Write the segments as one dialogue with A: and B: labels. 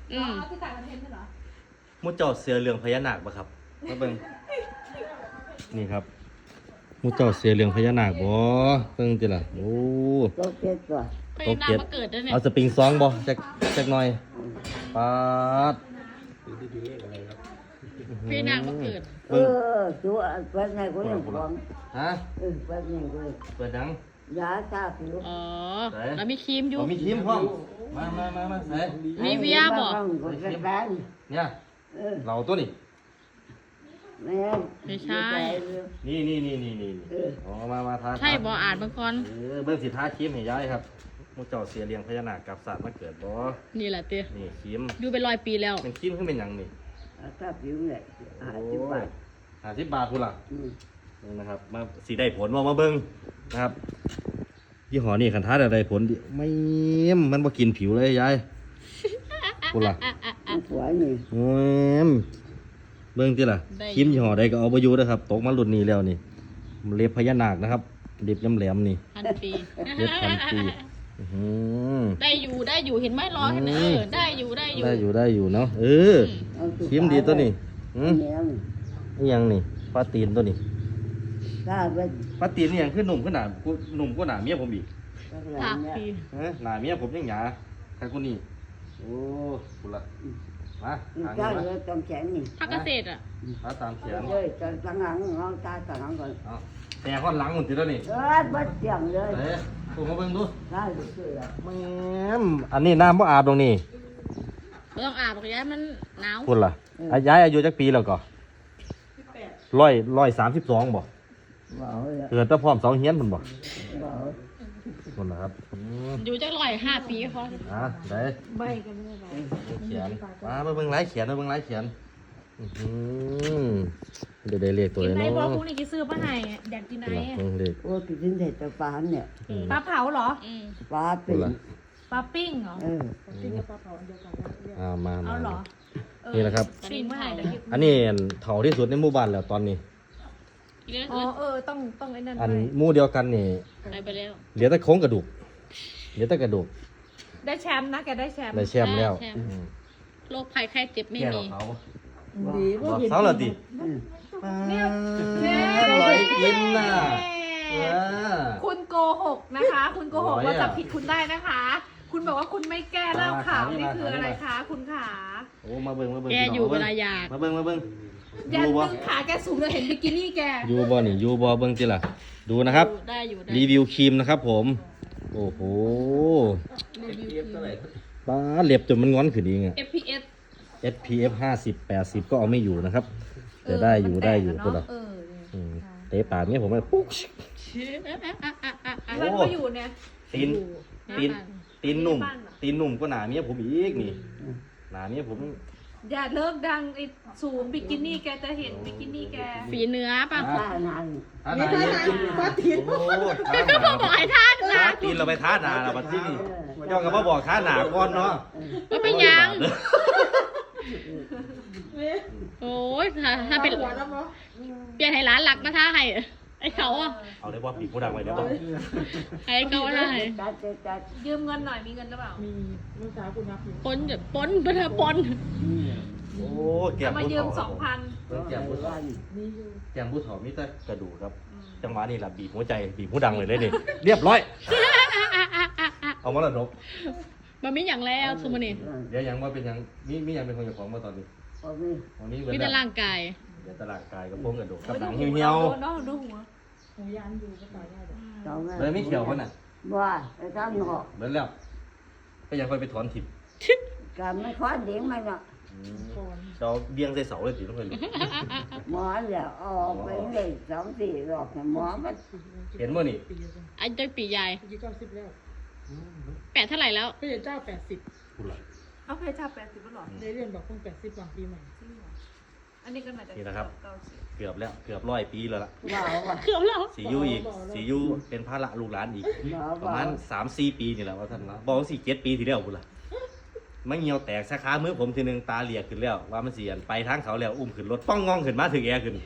A: ที่ต่างประเทศเหรอ
B: มุเจ้าเสือเรื่องพญานาคบ่ครับมาเบิ่งนี่ครับมุเจ้าเสือเรื่องพญานาคบ่เบิ่งติล่ะโอ้
C: โตเก็ตก่อน
D: พญานาคมาเกิดด้วยเนี่ย
B: เอาสปริงซองบ่จักหน่อยปาด
D: พญานาคมาเกิด
C: ตัวเปิดไงกูยังฟัง
B: ฮะ
C: เปิดไงกู
B: เปิดดัง
C: ยาตาผิว
D: อ๋อแล้วมีครีมอยู่
B: มีครีมพร้อมมาใส่
D: มีเวียบ่
B: เนี่ยเราตัวนี้
D: ไม่ใช่
B: นี่อ๋อมาทา
D: ใช่บ่อ่านบางคน
B: เบิ่งสิทาครีมให้ยายครับมุเจ้าเสือเลี้ยงพญานาคกับสัตว์มาเกิดบ่
D: นี่แหละเตี้ย
B: นี่ครีม
D: อยู่เป็น100 ปีแล้ว
B: เป็นครีมขึ้นเป็นหยังนี่
C: ตาผิวเนี่ย50 บาท
B: 50 บาทพุ่นล่ะนี่นะครับมาสีได้ผลมาเบิ่งนะครับยี่ห้อนี้คันท้าได้ผลดิไม่มันบ่กินผิวเลยยายพุ่นล่ะ
C: สวยนี่
B: โอ้ยเบิ่งติล่ะครีมยี่ห้อใดก็เอาบ่อยู่เด้อครับตกมารุ่นนี้แล้วนี่เล็บพญานาคนะครับเล็บแหลมๆนี่
D: 1,000 ปี
B: เล็บพันปี
D: ได้อยู่เห็นไหมรอเห็นไหมได้อยู่
B: ได้อยู่เนาะครีมดีตัวนี้นี่ยังนี่ปลาตีนตัวนี้
C: ถ้าเป็น
B: ปลาตีนนี่ยังขึ้นหนุ่มขึ้นหนาหนุ่มกว่าหนาเมียผมอีก
D: ถักปี
B: หนาเมียผมยังหยาใครคนนี้โอ้คุณละมาหา
C: ก็
B: เงิน
C: เลยต้องแข็งนี่
D: ผักเกษตรอ่ะ
B: มาตามเขียน
C: เลยจะตั้งหลังน้องตาตั้งหลังก่อน
B: แต่ข้อนหลังมันติดแล้วนี่
C: บัดเสียงเลย
B: เฮ้ยตัวมาเบิ่งดู
C: ได้เลย
B: แม่อันนี้น้ำบ่อาบตรงนี้
D: ไม่ต้องอาบหรอกย้ายมันหนาว
B: คุณล่ะย้ายอายุจักปีแล้วก็132บ่
C: บ่าว
B: เกิดแต่พร้อม2เฮียนพุ่นบ่
C: บ่าว
B: คนละครับ
D: อยู่จัก105 ปีพอ
B: ได้
A: ใบกันไม่ใบ
B: เขียนมาเบิ่งลายเขียนเบิ่งลายเขียนเดี๋ยวได้เรียกตัว
A: กิน
B: เลย
A: ไหน
B: เนาะ
A: บอกพวกนี้กินซื้อป้าไห้แดกกินไหน
B: เด็ก
C: โอ้ติดดินเด็ดแต่ปลาเนี่ย
A: ปลาเผาเหรอ
C: ปลาเป็น
A: ปลาปิ้งเหรอ
B: มา
A: เอาเหรอ
B: นี่แหละครับ
A: ปิ้งป้าไห้เดี๋ยวกิน
B: อันนี้เถาที่สุดในหมู่บ้านแล้วตอนนี้
A: อ๋อต้องไอ้นั่น
B: อัน
A: ด้วย
B: หมู่เดียวกันนี่
D: ไปแล้ว
B: เหลือแต่โครงกระดูกเหลือแต่กระดูก
A: ได้แชมป์นะแกได้แชมป์
B: ในแชมป์แล้ว
D: โรคภัยไข้เจ็บไม่
B: แก่
D: มี
B: เขา
C: ดี
B: บอกเขาเหรอดิร้อยกินน่ะ
A: คุณโกหกนะคะ คุณโกหกเราจับผิดคุณได้นะคะ คุณบอกว่าคุณไม่แก้เล่าข่าวนี่คืออะไรคะ คุณขา
B: โอ้มาเบิ่ง
D: แกอยู่เวลาอยาก
B: มาเบิ่ง
A: ยันดึงขาแกสูงเราเห็นบิกินี่แก
B: ยูบอนี่ยูบอเบิ่งจิล่ะดูนะครับ
D: ได้อยู่
B: รีวิวครีมนะครับผม โอ้โหป้าเล็บจนมันงอนขึ้นเองอะ
D: FPS
B: SPF 50-80 ก็เอาไม่อยู่นะครับ แต่ได้อยู่ตัวละเตะปากเนี้ยผมเลยปุ๊ก
A: มันก็อยู่เนี่ย
B: ตีนหนุ่มก็หนาเมียผมอีกนี่หนาเมียผม
A: อย่าเลิกดังไอ้สูงบิกินี่แกจะเห็นบิกินี่แก
D: ฝีเนื้อป่ะ
C: ปลานาน
B: ท่าหนาท่าตีนโอ้ท่าหนา
D: บอกให้ท่าน
B: ท่าตีนเราไปท่าหนาเราบัดที่นี่ย่องกับมาบอกท่าหนาก่อนเนาะ
D: ก็เป็นยังโอ้ยถ้าเป็นเปลี่ยนให้ร้านหลักมาท่าให้ไอ้เขาอ่ะ
B: เอาได้ว่าปีกผู้ดังไว้ได้ป่ะ
D: ไอ้เขาได้
C: จัด
A: ยืมเงินหน่อยมีเงินหรือเปล่า
D: ปนปนปน
B: โอ้แก้ม
A: มา
B: ผู้
A: ยืม
B: เฒ่า
A: 2,000
B: แก้มผู้เฒ่าแก้มผู้เฒ่ามีแต่กระดูกครับจังหวะนี้แหละบีบหัวใจบีบผู้ดังเลยนี่เรียบร้อยเอามาละนก
D: มันไม่อย่างแล้วสมุนี
B: เดี๋ยวยังว่าเป็นยังมียังเป็นคนเจ้าของมาตอนนี้ตอนนี้
D: มีแต่ร่างกาย
B: เดี๋ยวตลาดกายกับโป้งกระดูกกับหนังเหี่ยว
A: น้องดูหัว
B: ๆเลยไม่เขียวเขาน่ะ
C: ว่าไอ้ท่านหอก
B: เบิดแล้วก็ยังค่อยไปถอนถิ่น
C: การไม่ค่อยเลี้ยงมันเนาะ
B: เราเบี้ยงใส่เสาเลยสิต้องไปเลย
C: หมอแล้วออกไปเลย2-4 รอบหมอมัน
B: เห็นมั้นี่
D: ไอ้เจ้าปีใหญ่
E: อายุ90แล้ว
D: 8เท่าไหร่แล้ว
E: พระเจ้า80
B: พูดละ
A: เอาเพชรชา80ก็หรอ
E: ได้เรียนบอกเพิ่ง80หลังปีใหม่
A: อันนี้ก็น่าจะ
B: นี่นะครับ เกือบแล้วเกือบ100 ปีแล้วล่ะ
C: ว่าว่า
D: เกือบแล้ว
B: สียูอีกสียูเป็นภาระลูกหลานอีกประมาณ3-4 ปีนี่แหละว่าท่านนะบอกว่า4-7 ปีที่แล้วพูดละมันเหี่ยวแตกสาขามือผมทีนึงตาเหลียกขึ้นแล้วว่ามันเสียนไปทางเขาแล้วอุ้มขึ้นรถป้องงองขึ้นมาถึงแอร์ขึ้น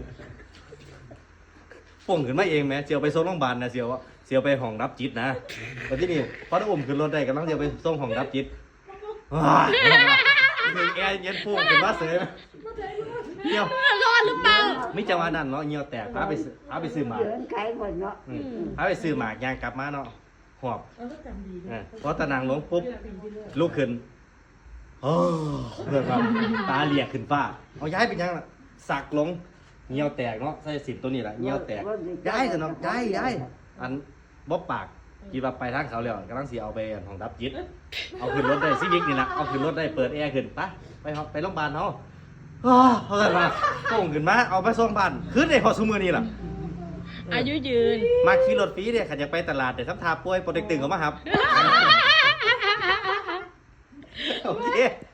B: ป่งขึ้นมาเองไหมเสียวไปส่งโรงพยาบาลนะเสียวไปห้องรับจิตนะวันที่นี่พอได้อุ้มขึ้นรถได้กำลังเสียวไปส่งห้องรับจิตว้ายถึงแอร์เย็นฟูขึ้นมาเสยเหี่ยว
D: รอดหรือเปล่า
B: มิจังหวะนั้นเนาะเหี่ยวแตกพาไปซื้อหมาก
C: เดินไขหมดเนาะ
B: พาไปซื้อหมากยางกลับมาเนาะหอบ
E: เราก็จำดีนะ
B: พอตะนางลงปุ๊บลุกขึ้นโอ้เพื่อนครับตาเหลียกขึ้นฟ้าเอาย้ายไปยังล่ะสักลงเหี่ยวแตกเนาะใส่สินตัวนี้แหละเหี่ยวแตกย้ายเถอะเนาะย้ายอันบ๊อบปากคิดว่าไปทางเขาแล้วกำลังสิเอาไปห้องดับจิตเอาขึ้นรถได้ซีวิกนี่นะเอาขึ้นรถได้เปิดแอร์ขึ้นไปโรงพยาบาลเนาะเขาเกิดมาส่งขึ้นมาเอาไปส่งบ้านขึ้นในพอซุมือนี่ล่ะ
D: อายุยืน
B: มาขี่รถฟรีเนี่ยขันอยากไปตลาดแต่ทำทาป่วยโปรเต็กตึงเขามาครับ โอเค